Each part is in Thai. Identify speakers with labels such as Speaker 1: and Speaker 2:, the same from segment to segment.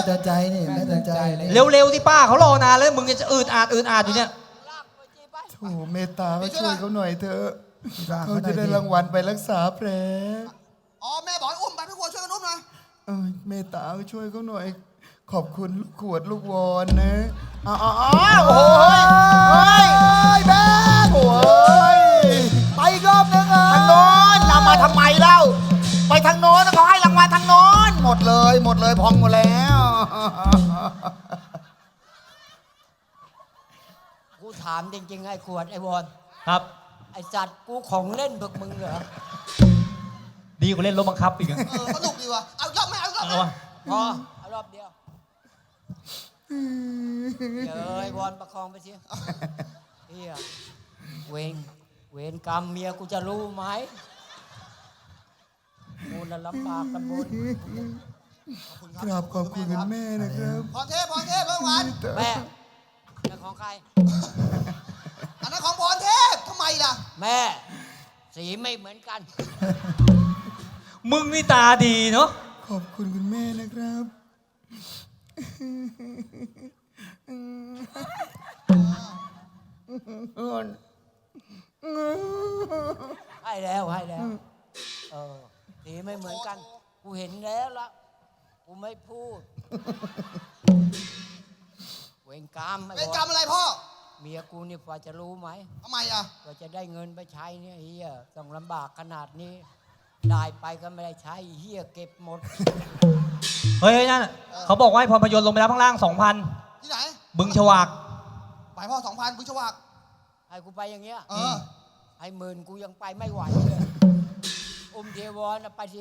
Speaker 1: เตือนใจนี่แม่เตือนใจ
Speaker 2: เร็วๆที่ป้าเขารอนานแล้วมึงจะอืดอาดอยู่เนี่ย
Speaker 3: โถเมตตาก็ช่วยเขาหน่อยเถอะเขาจะได้รางวัลไปรักษาแผล
Speaker 4: อ๋อแม่บอกให้อุ้มไปพี่ขวดช่วยกันอุ้มหน่อย
Speaker 3: เมตตาก็ช่วยเขาหน่อย ขอบคุณลูกขวดลูกวอนนะอ้าวโอ้ยแม่โอ้ย
Speaker 1: ไปอีกรอบนึง
Speaker 3: ทางโน้นเรามาทำไมเล่าไปทางโน้นเขาให้รางวัลทางโน้นหมดเลยพองหมดแล้ว
Speaker 5: กูถามจริงๆไอ้ขวดไอ้วอน
Speaker 2: ครับ
Speaker 5: ไอ้จัดกูของเล่นพวกมึงเหรอ
Speaker 2: ดีกว่าเล่นรถบังคับอีกอะ
Speaker 4: สนุกดีว่ะเอายอมไหมเอายอมไหม
Speaker 2: เอาวะ
Speaker 5: พอเอารอบเดียวเดี๋ยวไอ้วอนประคองไปสิเฮียเวรกรรมเมียกูจะรู้ไหมกูน่ะลำบากกันบน
Speaker 3: กราบขอบคุณคุณแม่นะครับ
Speaker 4: พรเทพเมื่อวาน
Speaker 5: แม่ของใคร
Speaker 4: อันนั้นของพรเทพทำไมล่ะ
Speaker 5: แม่สีไม่เหมือนกัน
Speaker 2: มึงนี่ตาดีเนาะ
Speaker 3: ขอบคุณคุณแม่นะครับ
Speaker 5: ให้แล้วสีไม่เหมือนกัน กูเห็นแล้วละกูไม่พูด เวรกรรมไอ้
Speaker 4: เป็น
Speaker 5: ว
Speaker 4: กร
Speaker 5: อ
Speaker 4: รมอะไรพ่อ
Speaker 5: เมียกูนี่พอจะรู้ไหม
Speaker 4: ทำไมอ่ะ
Speaker 5: กว่าจะได้เงินไปใช้เนี่ยเฮียต้องลำบากขนาดนี้ ได้ไปก็ไม่ได้ใช้เฮียเก็บหมด
Speaker 2: เฮ้ยนั่นน่ะเขาบอกว่าให้พรพยนต์ลงไปแล้วข้างล่าง
Speaker 4: ที่ไหน
Speaker 2: 2,000 บึงฉวาก
Speaker 4: ไปพ่อ2,000บุญชวาก
Speaker 5: ให้กูไปอย่างเงี้ย
Speaker 4: เออ
Speaker 5: ให้หมื่นกูยังไปไม่ไหวเลยอุ้มเทวอนน่ะไปสิ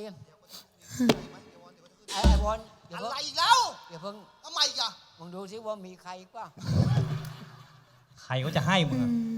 Speaker 5: ไอ้วอนอย่า
Speaker 4: อะ
Speaker 5: เพิ่ง
Speaker 4: ไรอีกแล้ว
Speaker 5: อย่าเพิ่ง
Speaker 4: ทำไมอีกอ่ะ
Speaker 5: มึงดูสิว่ามีใครอีกป่ะ
Speaker 2: ใครก็จะให้มึงอะ